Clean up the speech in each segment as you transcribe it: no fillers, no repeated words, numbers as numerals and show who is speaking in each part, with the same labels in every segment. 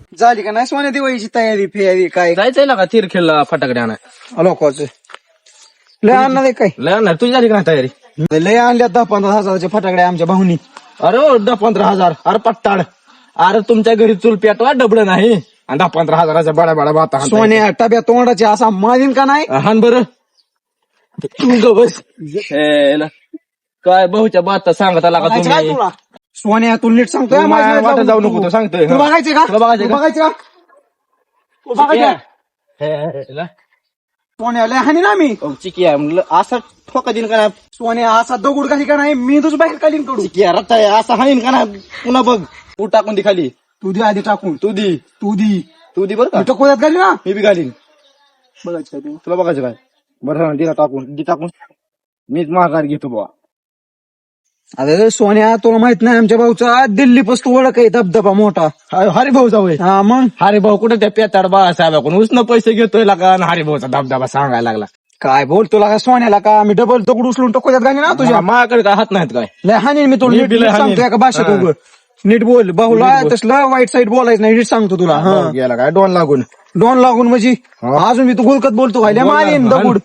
Speaker 1: झाली का नाही सोन्या दिवाळीची तयारी फियारी काय
Speaker 2: जायचंय ना का तीरखेलला फटाकडे आणाय
Speaker 1: लोकांचं लय आणणार आहे काय
Speaker 2: लय आणणार तुझी झाली का नाही तयारी
Speaker 1: लय आणल्या 10-15 हजाराचे फटाकडे आमच्या भाऊनी
Speaker 2: अरे 10-15 हजार अरे पट्टाड अरे तुमच्या घरी चूल पेटवा डबड नाही आणि 10-15 हजाराच्या बड्या बड्या बाता
Speaker 1: सोन्या टब्या तोंडाचे असा मारीन का नाही
Speaker 2: हान बरं तू ग बस काय भाऊच्या बाता सांगत आला का
Speaker 1: बघायचं काय
Speaker 2: तुम्ही
Speaker 1: तुला सोन्या तू नीट सांगतोय
Speaker 2: तू
Speaker 1: माझ्या
Speaker 2: माझ्या वाटेत जाऊ नको,
Speaker 1: तू.
Speaker 2: तू सांगतोय.
Speaker 1: तुला बघायचंय का
Speaker 2: तुला बघायचंय का?
Speaker 1: बघायचं का तू बघायचं का? सोन्या लय हानी ना मी
Speaker 2: चिकिया म्हणलं असा ठोका दिन का
Speaker 1: सोन्या असा दगड काही का नाही मी तुझं बाहेर काढीन कडू
Speaker 2: चिकिया रत्ता असा हाणीन का ना पुन्हा बघ तू टाकून दे खाली
Speaker 1: तू दे आधी टाकून
Speaker 2: तू दी
Speaker 1: तू दी
Speaker 2: बरं का
Speaker 1: मी तर कोल्यात घाली ना
Speaker 2: मी बी घालीन
Speaker 1: बघायचं काय तू
Speaker 2: तुला बघायचं काय बरं दिला टाकून मीच माघार घेतो बुवा
Speaker 1: अरे सोन्या तुला माहित नाही आमच्या भाऊचा दिल्ली पासून ओळख आहे धबधबा मोठा
Speaker 2: हरिभाऊ जाऊ
Speaker 1: हा मग
Speaker 2: हरिभाऊ कुठे त्या पेताड बाळासाहेबाकडून उसनं पैसे घेतोय का हरिभाऊचा धबधबा सांगायला लागला
Speaker 1: काय बोल तुला का सोन्याला का मी डबल दगड उचलून टकोल्यात घाली ना तुझ्या
Speaker 2: माझ्याकडे काय हात नाहीत काय
Speaker 1: लय हानी मी तुला
Speaker 2: मी
Speaker 1: नीट
Speaker 2: बी लय
Speaker 1: नीट
Speaker 2: हाणीन.
Speaker 1: सांगतोय का भाषेत
Speaker 2: हा.
Speaker 1: उभं नीट बोल भाऊला
Speaker 2: नीट बोल.
Speaker 1: तसलं वाईट साईड बोलायचं नाही नीट सांगतो तुला हा
Speaker 2: गेला काय डोन लागून
Speaker 1: दोन लागून म्हणजे अजून मी तू गुलकत बोलतो काय लय
Speaker 2: बोल ना.
Speaker 1: मारीन
Speaker 2: हाण.
Speaker 1: दगड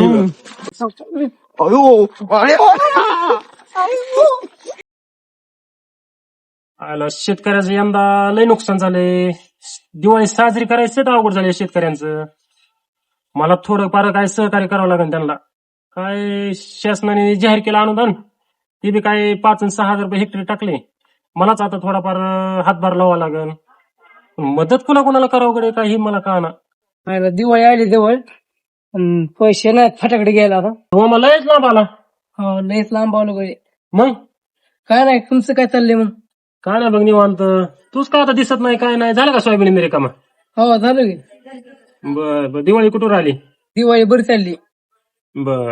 Speaker 1: अयो अरे
Speaker 3: आला शेतकऱ्याचं यंदा लय नुकसान झालंय. दिवाळी साजरी करायचं तर अवघड झाले शेतकऱ्यांचं. मला थोडं फार काय सहकार्य करावं लागेल त्यांना. काय शासनाने जाहीर केलं अनुदान, ते बी काय 5 आणि 6 हजार रुपये हेक्टरी टाकले. मलाच आता थोडाफार हातभार लावावा लागेल. मदत कोणाला करावं कडे काही मला कळना.
Speaker 4: मला दिवाळी आली जवळ पैसे नाहीत फटाकडे घ्यायला आता.
Speaker 3: हो मला लयच लांब आला.
Speaker 4: हो लयच लांब आलो गडे.
Speaker 3: मग
Speaker 4: काय नाही तुमचं काय चाललंय मग?
Speaker 3: काय नाही बघ निवांत. तूच काय आता दिसत नाही काय नाही. झालं का सोयाबीन मेरे कामा?
Speaker 4: हो झालं की.
Speaker 3: बर दिवाळी कुठून राहिली?
Speaker 4: दिवाळी बरी चालली.
Speaker 3: बर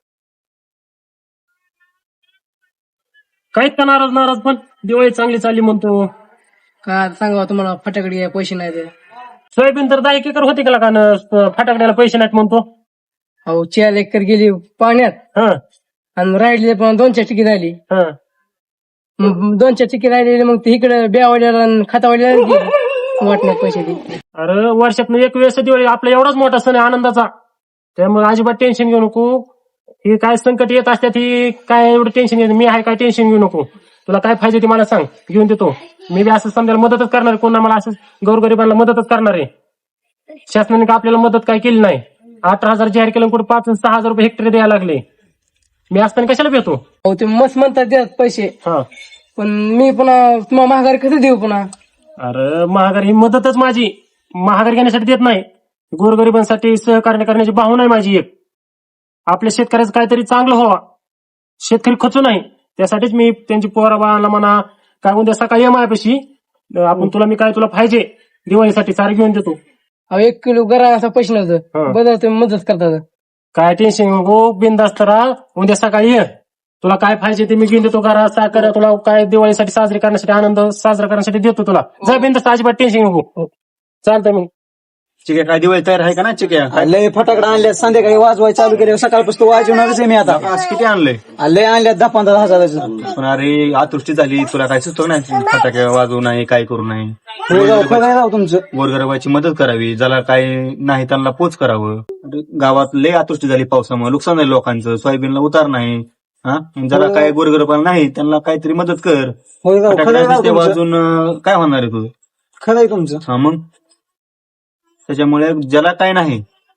Speaker 3: काहीच का नाराज पण दिवाळी चांगली चालली म्हणतो.
Speaker 4: काय आता सांगा तुम्हाला फटाकडे घ्यायला पैसे नाही ते.
Speaker 3: सोयाबीन तर 10 एकर होती का फटाकड्याला पैसे नाहीत म्हणतो.
Speaker 4: अहो 4 एकर गेली पाण्यात
Speaker 3: हा
Speaker 4: आणि राहिली पण 2-4 टिकी राहिली.
Speaker 3: हा
Speaker 4: 2-4 टिकी राहिलेली मग ते इकडे ब्यावाड्याला खातावाड्याला वाटण्यात पैसे दे.
Speaker 3: अरे वर्षातून एक वेळेस दिवाळी आपला एवढाच मोठा सण आहे आनंदाचा. त्यामुळे अजिबात टेन्शन घेऊ नको. ही काय संकट येत असतात ही काय एवढं टेन्शन घेत मी आहे काय टेन्शन घेऊ नको. तुला काय पाहिजे ते मला सांग घेऊन देतो. मी बी असं समजायला मदतच करणार आहे. कोणा मला असं गोरगरिबांना मदतच करणार आहे. शासनाने का आपल्याला मदत काय केली नाही. 18,000 जाहीर केलं कुठे 5 आणि 6 हजार रुपये हेक्टरी द्यायला लागले. मी असताना कशाला भेटतो.
Speaker 4: अहो ते मस्त म्हणतात द्या पैसे,
Speaker 3: हा
Speaker 4: पण मी पुन्हा तुम्हाला महागारी कसं देऊ पुन्हा?
Speaker 3: अरे महागारी ही मदतच माझी. महागारी घेण्यासाठी देत नाही. गोरगरिबांसाठी सहकार्य करण्याची भावना आहे माझी एक. आपल्या शेतकऱ्याचं काहीतरी चांगलं व्हावा. शेतकरी खचू नाही त्यासाठीच मी त्यांची पोरा बाळाला म्हणा काय उद्या सकाळी माझ्यापाशी आपण तुला पाहिजे दिवाळीसाठी सारे घेऊन देतो.
Speaker 4: अहो 1 किलो गरा पैसे
Speaker 3: हा.
Speaker 4: नव्हतं बदल तुम्ही मदत करतात.
Speaker 3: काय टेन्शन नको बिनधास्त राहा. उद्या सकाळी ये तुला काय पाहिजे ते मी घेऊन देतो. घरा साखर तुला काय दिवाळीसाठी साजरी करण्यासाठी आनंद साजरा करण्यासाठी देतो तुला. जा बिनधास्त अजिबात टेन्शन नको. चालतंय मग.
Speaker 2: चिक्या काय दिवाळी तयार आहे का ना चिक्या
Speaker 1: लय फटाकडा आणल्या संध्याकाळी वाजवाय चालू केले सकाळपासून वाजवणारच आहे मी आता
Speaker 2: आज किती आणलंय
Speaker 1: लय आणल्या 10-15 हजाराचं
Speaker 2: पण अरे अतृष्टी झाली तुला काय सुचव नाही फटाके वाजवू नाही काय करू नाही
Speaker 1: हो जाऊ खरं आहे राव तुमचं
Speaker 2: गोरगरिबाची मदत करावी ज्याला काय नाही त्यांना पोच करावं. गावात लय अतृष्टी झाली पावसामुळे नुकसान झालं लोकांचं. सोयाबीनला उतार नाही. हा ज्याला काय गोरगरिबाला नाही त्यांना काहीतरी मदत कर.
Speaker 1: हो राव खरं आहे राव
Speaker 2: फटाके
Speaker 1: तुमचं
Speaker 2: वाजून काय होणार आहे तुझं?
Speaker 1: खरं आहे तुमचं
Speaker 2: हा मग त्याच्यामुळे ज्याला काय नाही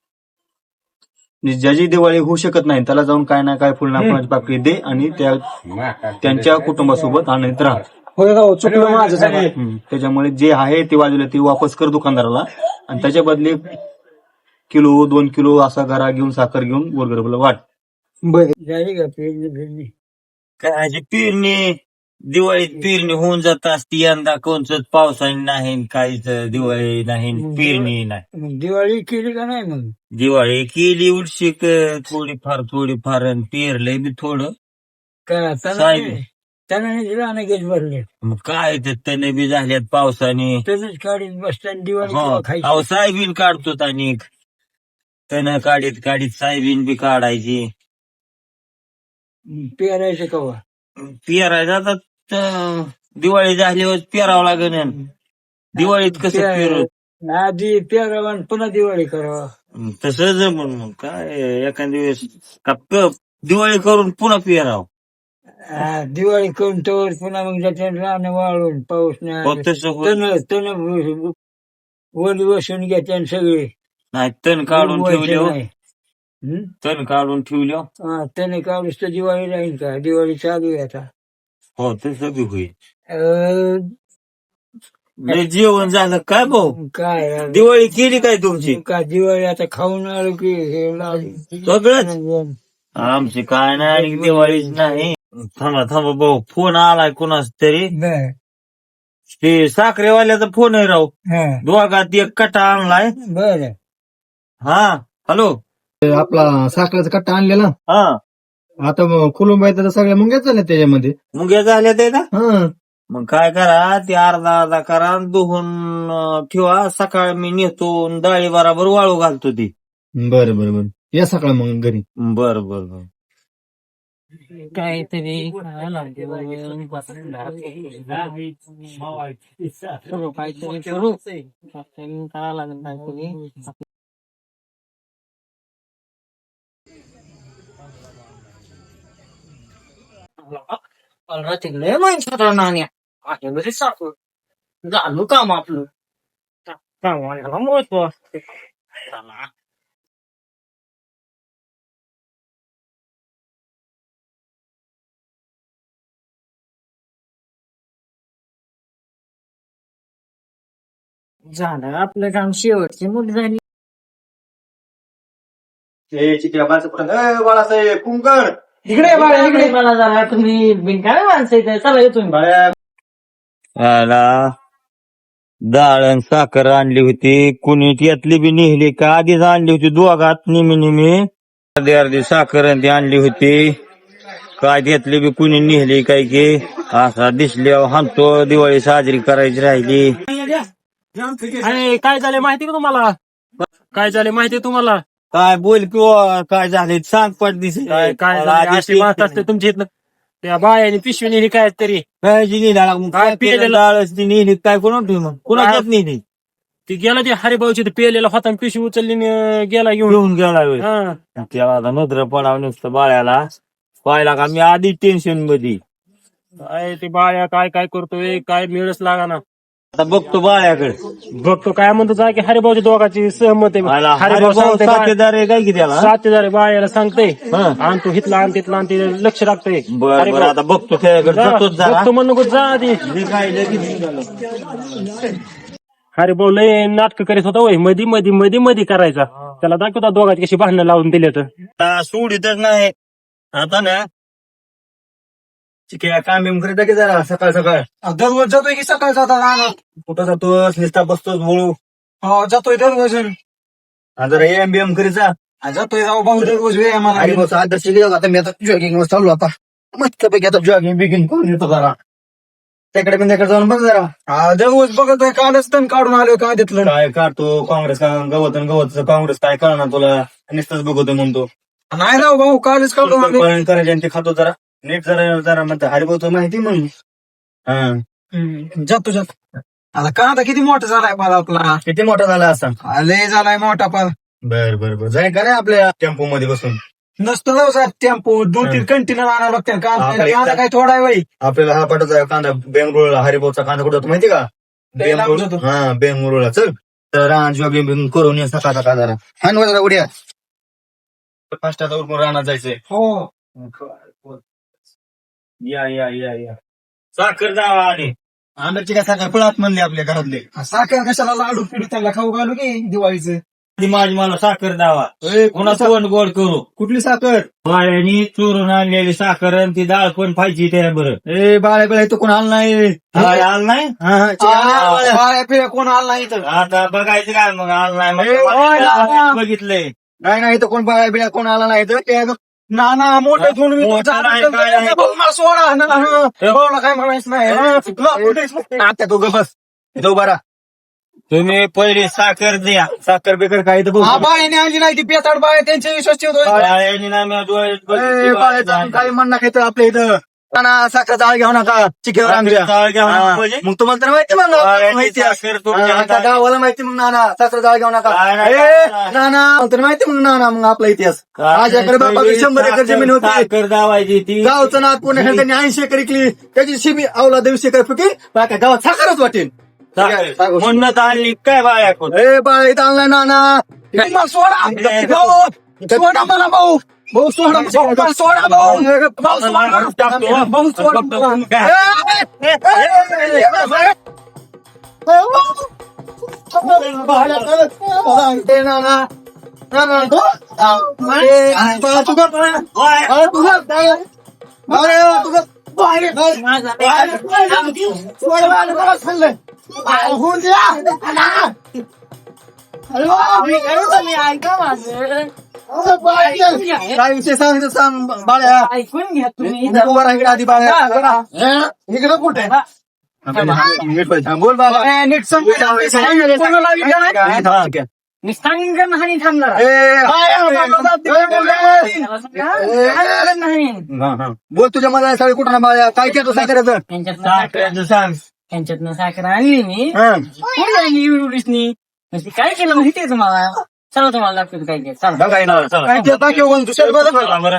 Speaker 2: ज्याची दिवाळी होऊ शकत नाही त्याला जाऊन काय ना काय फुलना फुलाची पाकळी दे आणि त्यांच्या कुटुंबासोबत आनंदित राहा.
Speaker 1: होय राव चुकलं माझं सगळं.
Speaker 2: त्याच्यामुळे जे आहे ते वाजवलं ते वापस कर दुकानदाराला आणि त्याच्या बदले किलो 2 किलो असा गरा घेऊन साखर घेऊन गोरगरिबाला वाट.
Speaker 1: बरं
Speaker 5: काय पेरणी दिवाळीत पेरणी होऊन जात असती. यंदा कोणच पावसाने नाही काहीच दिवाळी नाही पेरणी नाही.
Speaker 4: दिवाळी केली का नाही मग?
Speaker 5: दिवाळी केली उलशिक थोडीफार आणि पेरलंय बी थोडं. साहेब
Speaker 4: त्याने गेट भरले
Speaker 5: मग काय ते तणे बी झाल्यात पावसाने.
Speaker 4: तसंच काढीत बसताना दिवाळी
Speaker 5: हो अहो सायबीन काढतो आणि तण काढीत सायबीन बी काढायची.
Speaker 4: पेरायचं कवा?
Speaker 5: पेरायचा तर दिवाळी झाल्यावर पेरावं लागेल. दिवाळीत कसं पेरू
Speaker 6: आधी पेरावा पुन्हा दिवाळी करावा.
Speaker 5: तसंच म्हणून काय एखाद्या वेळेस का दिवाळी करून पुन्हा पेराव.
Speaker 6: दिवाळी करून तोवर पुन्हा मग त्याच्यात राहणं वाळून पाऊस नाही
Speaker 5: तसं होत
Speaker 6: तण वली बसून घेते सगळे
Speaker 5: नाही. तण काढून ठेवले हो.
Speaker 6: नाही.
Speaker 5: तण काढून ठेवले
Speaker 6: त्याने काढूस तर दिवाळी राहील का? दिवाळी चालू आहे आता.
Speaker 5: हो तसं बी होईल. लय जेवण झालं काय भाऊ?
Speaker 6: काय
Speaker 5: दिवाळी केली काय तुमची?
Speaker 6: का दिवाळी आता खाऊन आलो की हे
Speaker 5: सगळंच आमची काय नाही आणि दिवाळीच नाही. थांबा थांबा भाऊ, फोन आलाय कोणाच तरी.
Speaker 6: बर
Speaker 5: ते साखरेवाल्याचा फोन आहे राव. दोघात एक कटा आणलाय.
Speaker 6: बर
Speaker 5: हा हॅलो.
Speaker 1: आपला साखरेचा कट्टा आणलेला
Speaker 5: हा
Speaker 1: आता कुलुंबाई सगळ्या मुंग्याच झाल्या त्याच्यामध्ये.
Speaker 5: मुंग्या झाल्या ते ना.
Speaker 1: हा
Speaker 5: मग काय करा, ते अर्धा करा आणि धुवून ठेवा. सकाळ मी नेतो आणि डाळी बरोबर वाळू घालतो ती.
Speaker 1: बरं बरं बरं या सकाळ मग घरी.
Speaker 5: बर बर बर.
Speaker 4: काहीतरी करू करावं लागेल काहीतरी. तिकडे माणसाला नाण्या माझ्याकडे साखर झालो काम आपलं कामाला महत्व असते. झालं आपलं काम, शेवटची मुली झाली.
Speaker 2: बाळासाहेब कुंकण
Speaker 4: इकडे मला जरा तुम्ही बिनकाय माणसं इथे चला येतो मी.
Speaker 5: आला डाळ आणि साखर आणली होती. कुणी यातली बी नेहली का आधीच आणली होती दोघात नेहमी अर्धी साखर आणि ती आणली होती. काय घेतली बी कुणी नेहली काय की असा दिसल्यावर हाणतो. दिवाळी साजरी करायची राहिली.
Speaker 3: अरे काय झालं माहिती का तुम्हाला? काय झालं माहिती तुम्हाला?
Speaker 5: काय बोल किंवा काय झाले सांग पट दिस
Speaker 3: काय काय झालं? अशी बात असते तुमच्या इथनं. त्या बायाने पिशवी नेली काय तरी.
Speaker 5: काय पिलेलं डाळच नेहली काय कोणाच्यात नेहली.
Speaker 3: ती गेला ते हरिभाऊची पेलेला होता आणि पिशवी उचलली आणि गेला घेऊन.
Speaker 5: घेऊन गेला होय.
Speaker 3: हा.
Speaker 5: त्याला आता नजर पडावं नुसतं बाळ्याला. पाहिला का मी आधी टेन्शन मध्ये.
Speaker 3: काय ते बाया काय काय करतोय काय मिळच लागा ना.
Speaker 5: आता बघतो बाळ्याकडे.
Speaker 3: बघतो काय म्हणतो जा की हरिभाऊच्या दोघांची सहमत आहे. हरिभाऊ
Speaker 5: हरिभाऊ
Speaker 3: सांगते
Speaker 5: साथीदार आहे काय की त्याला.
Speaker 3: साथीदार बायाला सांगते आण तू हितला आण तिथला आण ते लक्ष राखतोय.
Speaker 5: बरं बरं आता बघतो त्याच्याकडे जातोच जरा.
Speaker 3: बघतो म्हणून नको जा आधी.
Speaker 5: काय लगेच निघालो.
Speaker 3: हरिभाऊ लय नाटक करीत होता वय मधी मधी मधी मधी करायचा. त्याला दाखवता दोघांची कशी भांडणं लावून दिले तर.
Speaker 5: आता सोडीतच नाही आता ना. चिकया काम बिम करीत की जरा सकाळ सकाळ.
Speaker 1: दररोज जातोय की सकाळ जाता राहणार.
Speaker 5: कुठं जातोस निस्ता बसतोस बोळू.
Speaker 1: हो जातोय दररोज.
Speaker 5: जरा एम बी एम करीत जा.
Speaker 1: जातोय राव भाऊ दररोज व्यायामाला.
Speaker 5: आणि बस आदर्श गेला आता मी आता जॉगिंग चालू आता मस्तपैकी आता जॉगिंग बिगिंग करून येतो जरा. त्याकडे पण त्याकडे जाऊन बघ जरा.
Speaker 1: दररोज बघतोय कालच तण काढून आलोय का देतलं.
Speaker 5: काय काढतो काँग्रेस का गवत काँग्रेस काय कळणार तुला. नुसतंच बघतो म्हणतो.
Speaker 1: नाही राव भाऊ कालच काढून आलोय.
Speaker 5: पळण करायचे आणि ते खातो जरा नीट जरा म्हणतो हरिभाऊ माहिती म्हणून. हा
Speaker 1: जातो जातो. आता कांदा किती मोठा झालाय मला आपला.
Speaker 5: किती मोठा झाला असा.
Speaker 1: लय झालाय मोठा पण.
Speaker 5: बर बर बर जाय का नाही आपल्या टेम्पो मध्ये बसून.
Speaker 1: नसतो जाऊ साहेब टेम्पो 2-3 कंटेनर आणावं लागतील. कांदा काय थोडा आहे वय.
Speaker 5: आपल्याला हा पाठवचा कांदा बेंगळूरला हरिभाऊचा कांदा कुठं होतो माहिती का. बेंगळूर हा बेंगळूरला चल तर जॉगिंग करून ये सकाळ सकाळ जरा. हा जरा उड्या फास्टाचा उरकून राहणार जायचंय.
Speaker 1: हो
Speaker 5: या या या या साखर जावा आणि आंब्याची काय साखर पळात म्हणले आपल्या घरातले.
Speaker 1: साखर कशाला लाडू पिढी त्याला खाऊ घालू की दिवाळीचं.
Speaker 5: ती माझी मला साखर दावा कोणाचं वन गोड करू.
Speaker 1: कुठली साखर.
Speaker 5: बाळ्यानी चोरून आणलेली साखर आणि ती डाळ पण पाहिजे त्या बरं.
Speaker 1: ए बाळ्या बिळ्या तो कोण आला नाही.
Speaker 5: आलं नाही
Speaker 1: बाळ्या पिळ्या कोण आला नाही तर.
Speaker 5: आता बघायचं काय मग आलं नाही बघितलंय.
Speaker 1: नाही तर कोण बाळ्या बिळ्या कोण आला नाही तर. नाना मोठे घेऊन सोडा ना काय म्हणायचं नाही. आता तो गबस तो बरा.
Speaker 5: तुम्ही पहिले साखर द्या. साखर बिकर काही तर
Speaker 1: बाळ्याने आणली नाही ती पेताड बाळ्या त्यांच्या विश्वास ठेवतो.
Speaker 5: बाळ्यानी ना मी डोळ्यात बघितली.
Speaker 1: काही म्हणणं काय तर आपल्या इथं ना साखर जाळ घेऊ नका चिकेवर आमच्या
Speaker 2: जाळ घेऊ नका
Speaker 1: हा.
Speaker 2: म्हणजे?
Speaker 1: मग तुम्हाला तर माहिती मग माहिती आहे.
Speaker 2: साखर तुमच्या
Speaker 1: हा,
Speaker 2: हातात.
Speaker 1: गावाला माहिती मग नाना साखर जाळ घेऊ नका
Speaker 2: काय नाही,
Speaker 1: ए,
Speaker 2: काय नाही.
Speaker 1: नाना तर माहिती मग नाना मग आपला इतिहास माझ्याकडे बाबाकडे 100 एकर जमीन होती
Speaker 2: साखर दावायची ती
Speaker 1: गावचं नाथ पुणे त्यांनी 80 एकर विकली त्याची शिमी अवला 200 एकर पिकी बाकी गावात साखरच वाटेल
Speaker 2: म्हणणं तर आणली काय बाया
Speaker 1: ए बाळ इथं आणलाय नाना तुम्हाला सोडा भाऊ, सोडा मला भाऊ भाऊ सोडा मला, सोडा भाऊ भाऊ सोडा भाऊ सोडा ए, नाना नाना काय विषय सांग सांग बाळ्या
Speaker 4: ऐकून घ्या तुम्ही
Speaker 1: उभा राहा इकडे आधी बाळ्या इकडे कुठे बोल बाबा नीट सांग
Speaker 4: मी सांगेन नाही थांबणार नाही
Speaker 1: बोल तुझ्या मला साडे कुठं ना बाळ्या काय केलं साखरेचं
Speaker 4: त्यांच्यातनं साखर आणली मी एवढीच काय केलं माहिती आहे तुम्हाला चला तुम्हाला दाखवतो काय केलं चला
Speaker 1: काय ते दाखव दुसऱ्या बरं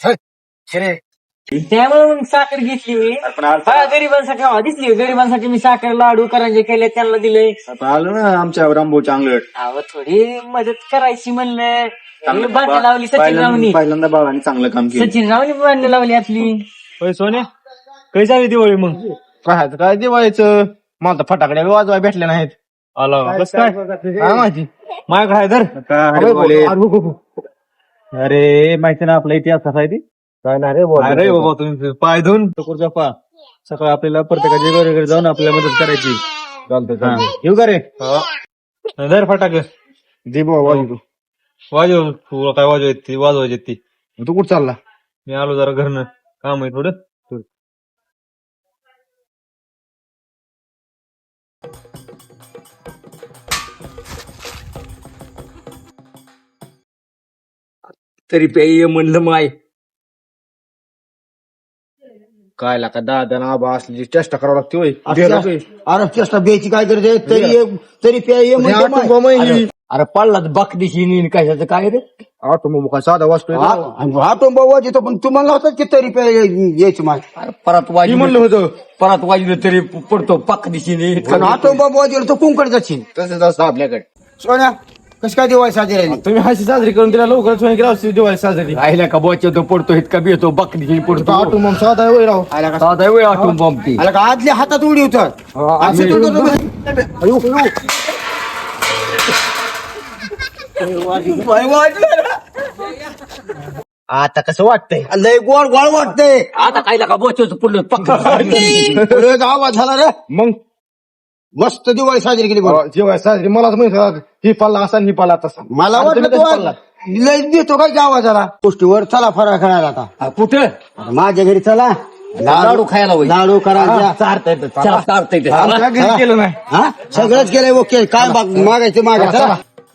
Speaker 4: त्यामुळे मग साखर घेतली मी गरिबांसाठी दिसली गरिबांसाठी मी साखर लाडू करंजे केले त्यांना दिले
Speaker 2: आलो ना आमच्या रामभाऊ चांगलं
Speaker 4: अहो थोडी मदत करायची म्हणलं बांधणी लावली सचिन रावनी
Speaker 2: पहिल्यांदा बाबांनी चांगलं काम केलं
Speaker 4: सचिन रावनी बांधणी लावली आपली
Speaker 2: सोन्या काही झाली दिवाळी मग
Speaker 1: काय दिवाळीचं मला फटाकड्या वाजवाय भेटले नाहीत
Speaker 2: आला कसं काय
Speaker 1: काय माहिती
Speaker 2: माझ्याकडे आहे धर अरे माहिती ना आपला इतिहास कसा आहे ती
Speaker 1: काय नाही रे
Speaker 2: अरे बाबा तुम्ही पाय धुवून टकोरचा पा सकाळी आपल्याला प्रत्येकाच्या घरी जाऊन आपल्याला मदत करायची
Speaker 1: चालतंय
Speaker 2: येऊ का रे धर फटाक
Speaker 1: दे बाबा वाजू
Speaker 2: वाजव तुला काय वाजवायची वाजवायची ती
Speaker 1: तू कुठं चालला
Speaker 2: मी आलो जरा घरनं काम आहे थोडं
Speaker 1: तरी पेय म्हणलं माय काय लाका दादा ना आबा असली चेष्टा करावं लागते होय
Speaker 6: अरे चेष्टा ब्यायची काय करते तरी प्याय अरे पडला बाक दिशी कशाचं काय रे
Speaker 1: ऑटो मग काय साधा वाचतोय
Speaker 6: आटोंबा वाजतो पण तुम्हाला होतं की तरी प्याय यायची माय परत वाजी
Speaker 1: म्हणलं होतं
Speaker 6: परत वाजलं तरी पडतो पाक दिशेने आटोंबा वाजलं तर कोणकडे जाशील
Speaker 1: तसंच असतं आपल्याकडे
Speaker 6: सोन्या कशी काय दिवाळी साजरी राहिली
Speaker 1: तुम्ही हशी साजरी करून तिला लवकर सोय केला दिवाळी साजरी
Speaker 6: राहिला का वाजतो पडतो इतका बेतो बाक दिशेने पडतो
Speaker 1: ऑटो मग साधा होय राव
Speaker 6: साधा वेळ आटोंबा ती आला का आदल्या हातात उडी
Speaker 1: आता कसं वाटतंय
Speaker 6: लय गोड गोड वाटतंय आता काय का बोचवतो पुढलं पक्का आवाज झाला रे
Speaker 1: मग
Speaker 6: मस्त दिवाळी साजरी केली बघ
Speaker 1: जेव्हा साजरी मलाच माहिती ही पाल्ला असा आणि ही पाल्ला तसा
Speaker 6: मला
Speaker 1: आणि
Speaker 6: वाटलं
Speaker 1: तुम्ही
Speaker 6: तू
Speaker 1: कधी पाल्ला?
Speaker 6: लय देतो काय आवाज झाला गोष्टीवर चला फराळ खायला आता
Speaker 1: कुठं
Speaker 6: आता माझ्या घरी चला लाडू खायला लाडू करायचा चारता येतं
Speaker 1: आमच्या घरी केलं नाही
Speaker 6: हा सगळंच केलंय ओके काय मागायचं मागा चला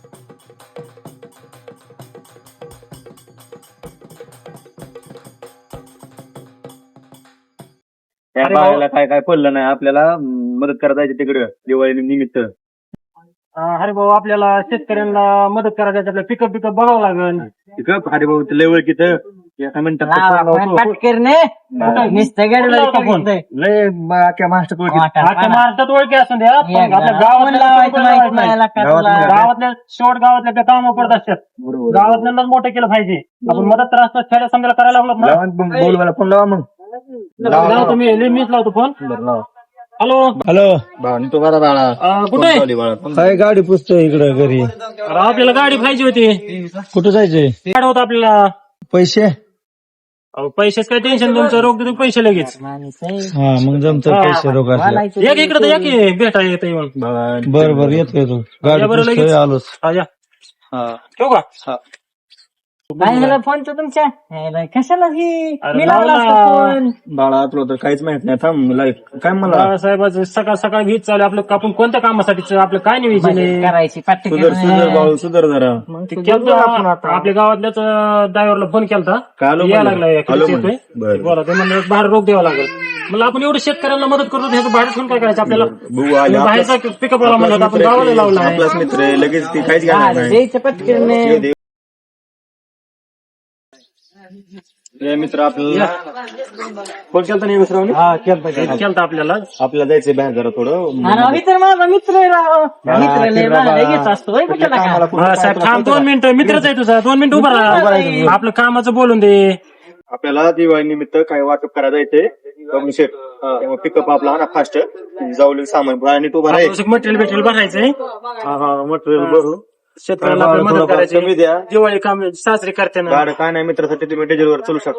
Speaker 2: त्या बाळाला काय काय पडलं नाही आपल्याला मदत करायला जायचं तिकडे दिवाळी निमित्त
Speaker 3: अरे भाऊ आपल्याला शेतकऱ्यांना मदत करायची आपल्याला पिकअप बघावं लागेल
Speaker 2: अरे भाऊ लय ओळखीत एका मिनिटात
Speaker 4: पाटकरने नुसतं गाडीला
Speaker 2: लय अख्ख्या महाराष्ट्रात
Speaker 3: आता महाराष्ट्रात ओळखी असून द्या पण आपल्या गावातल्या शेवट गावातल्या त्या कामं पडत असतात गावातल्यांनाच मोठं केलं पाहिजे आपण मदत तर असतात खेड्या समजायला करायला लागलो ना
Speaker 2: बोलवायला फोन लावा मग
Speaker 3: लावा तुम्ही मीच लावतो फोन हॅलो
Speaker 2: हॅलो तो करा बाळा
Speaker 3: कुठे आहे?
Speaker 2: काय गाडी पुसतोय इकडे घरी
Speaker 3: अरे आपल्याला गाडी पाहिजे होती
Speaker 2: कुठं जायचंय
Speaker 3: गाडी होतं आपल्याला
Speaker 2: पैसे
Speaker 3: अहो, पैशाच काय टेन्शन तुमचं रोग देतो पैसे लगेच
Speaker 2: हा मग जमतं पैसे रोगायला
Speaker 3: एक इकडे तर या की भेटा येतं येऊन
Speaker 2: बर बर येतो
Speaker 3: या बरं लगेच.
Speaker 2: आलोच
Speaker 3: हा, या. ठेवू का
Speaker 4: काय झालं फोन तर तुमच्या ह्याला कशाला की
Speaker 3: अरे
Speaker 4: मी लावला
Speaker 3: लावला.
Speaker 4: असता फोन.
Speaker 2: बाळा तुला तर काहीच माहित नाही थांब काय मला
Speaker 3: बाळासाहेबाचं सकाळ सकाळ वीज चालू आहे. आपलं आपण कोणत्या कामासाठी आपलं काय नियोजन
Speaker 4: मदत
Speaker 3: आहे
Speaker 4: करायची पाठी
Speaker 2: सुधर बाळू सुधर जरा
Speaker 3: ते केलं आपल्या गावातल्याच ड्रायव्हरला फोन केलता
Speaker 2: काय आलो
Speaker 3: यायला
Speaker 2: म्हणलं?
Speaker 3: लागला
Speaker 2: आलो
Speaker 3: येतोय
Speaker 2: म्हणलं. बरं.
Speaker 3: बोला ते म्हणलं बाहेर रोग द्यावा लागेल म्हणलं आपण एवढं शेतकऱ्यांना मदत करतो ह्याचं बाहेर ठेवून काय करायचं आपल्याला
Speaker 2: बघू आले
Speaker 3: बाहेरचा पिकअप वाला म्हणलं आपण गावाला लावला आहे.
Speaker 2: आपलाच मित्र आहे लगेच ती काहीच घेणार नाही
Speaker 4: द्यायचं पटकन
Speaker 2: येऊ दे. हे मित्र आपल्याला फोन केलता नाही मित्र
Speaker 3: केलता आपल्याला
Speaker 2: आपल्याला जायचंय बाहेर जरा थोडं
Speaker 4: अरे मित्र माझा मित्र आहे राव. मित्र लय भारी घेत असतो होय कुठला का?
Speaker 3: हा, साहेब थांब 2 मिनिटं मित्रच आहे तुझा 2 मिनिटं उभा राहा आपलं कामाचं बोलून दे
Speaker 2: आपल्याला दिवाळी निमित्त काही वाटप करायला जायचंय कमी शेट तेव्हा पिकअप आपला आणा फास्ट जाऊ सामान आणि तो भराय
Speaker 3: मटेरियल भरायचंय
Speaker 2: मटेरियल भरू
Speaker 3: शेतकऱ्याला आपली मदत
Speaker 2: कमी
Speaker 3: करायची
Speaker 2: द्या
Speaker 3: दिवाळी काम साजरी करताना
Speaker 2: गाड काय नाही मित्रासाठी तुम्ही डिझेलवर चलू शकता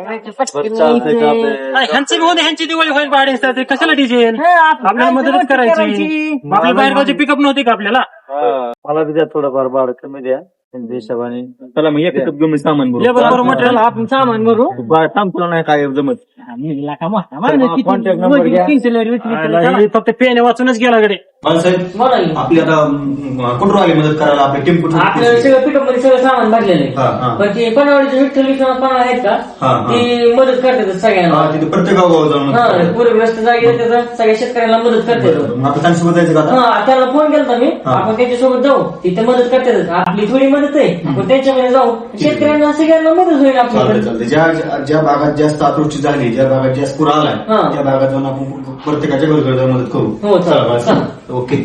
Speaker 3: ह्यांचं बी होते ह्यांची दिवाळी होईल भाडे कशाला डिझेल आपल्याला मदतच करायची आपल्या बाहेरगावचे पिकअप नव्हते का आपल्याला
Speaker 5: मला बी द्या थोडंफार भाडं कमी द्या त्यांच्या हिशोबाने.
Speaker 2: चला मग एक घेऊन मी सामान भरू
Speaker 3: लेबर बरोबर मटेरियल
Speaker 4: आपण सामान भरू
Speaker 2: थांब तुला नाही काय जमत
Speaker 4: मी लाखा मोठा माणूस किती
Speaker 5: contact number
Speaker 4: वजन
Speaker 5: घ्या.
Speaker 4: 300 लहरी विकली.
Speaker 3: फक्त पेने वाचूनच गेला कडे
Speaker 2: साहेब
Speaker 4: मला ही.
Speaker 2: आपली आता कुठं आली मदत करायला आपली टीम कुठं
Speaker 4: आपल्याला सगळं पिकअप मध्ये सगळं सामान भरलेलं
Speaker 2: हा, हा.
Speaker 4: आहे पण ते पनवाडीचे विठ्ठल कोणा आहेत का
Speaker 2: हा, हा.
Speaker 4: ती मदत करतात सगळ्यांना
Speaker 2: तिथे प्रत्येक गाव जाऊन
Speaker 4: हा पूरग्रस्त जागेवर त्याचा सगळ्या शेतकऱ्यांना मदत करतात
Speaker 2: मग आता त्यांच्यासोबत जायचं का आता
Speaker 4: हा त्याला फोन केला मी आपण त्यांच्यासोबत जाऊ तिथे मदत करतात आपली थोडी मदत आहे आपण त्यांच्याकडे जाऊ शेतकऱ्यांना सगळ्यांना मदत होईल
Speaker 2: चालतंय
Speaker 4: आपल्याकडे
Speaker 2: चालतंय ज्या भागात जास्त अतिवृष्टी झाली ज्या भागात जास्त पूर आलाय
Speaker 4: हा.
Speaker 2: त्या भागात जाऊन आपण प्रत्येकाच्या घरी जाऊन मदत करू
Speaker 4: हो, चालेल.
Speaker 2: चला, चला. ओके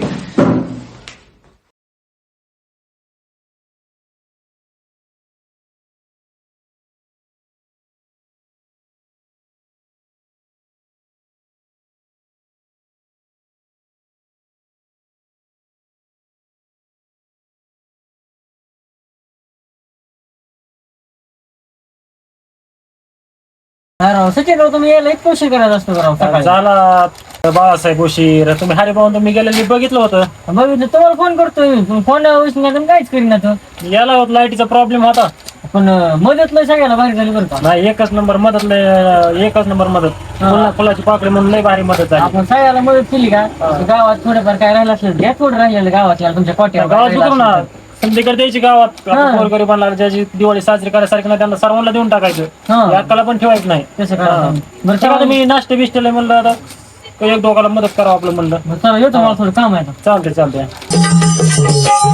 Speaker 4: सचिन राव तुम्ही यायला एक पैसे करायचा असतो राव सकाळी
Speaker 3: झाला बाळासाहेब उशीर तुम्ही हरिभाऊन तुम्ही गेलेले बघितलं होतं
Speaker 4: बघितलं तुम्हाला फोन करतोय फोन उचलून काहीच करीना तो
Speaker 3: याला होत लाईटीचा प्रॉब्लेम होता
Speaker 4: पण मदत लय सगळ्याला भारी झाली बरं का
Speaker 3: नाही एकच नंबर मदत एकच नंबर मदत फुलाची पाकळी म्हणून लय भारी मदत झाली
Speaker 4: आपण सगळ्याला मदत केली का गावात थोडंफार काय राहिलं असलं घ्या थोडं राहिलेलं गावातल्या तुमच्या
Speaker 3: गावात उतरू ना
Speaker 4: कोट्या
Speaker 3: संध्याकडे द्यायची गावात गोरगरिबांना ज्याची दिवाळी साजरी करायसारखी नाही त्यांना सर्वांना देऊन टाकायचं
Speaker 4: हा.
Speaker 3: याकाला पण ठेवायचं नाही
Speaker 4: तसं करा बरं
Speaker 3: चला तुम्ही नाश्ते बिष्टेला म्हणलं आता एक दोघाला मदत करावं आपलं म्हणलं
Speaker 4: चला येतो मला थोडं काम आहे आता.
Speaker 3: चालतंय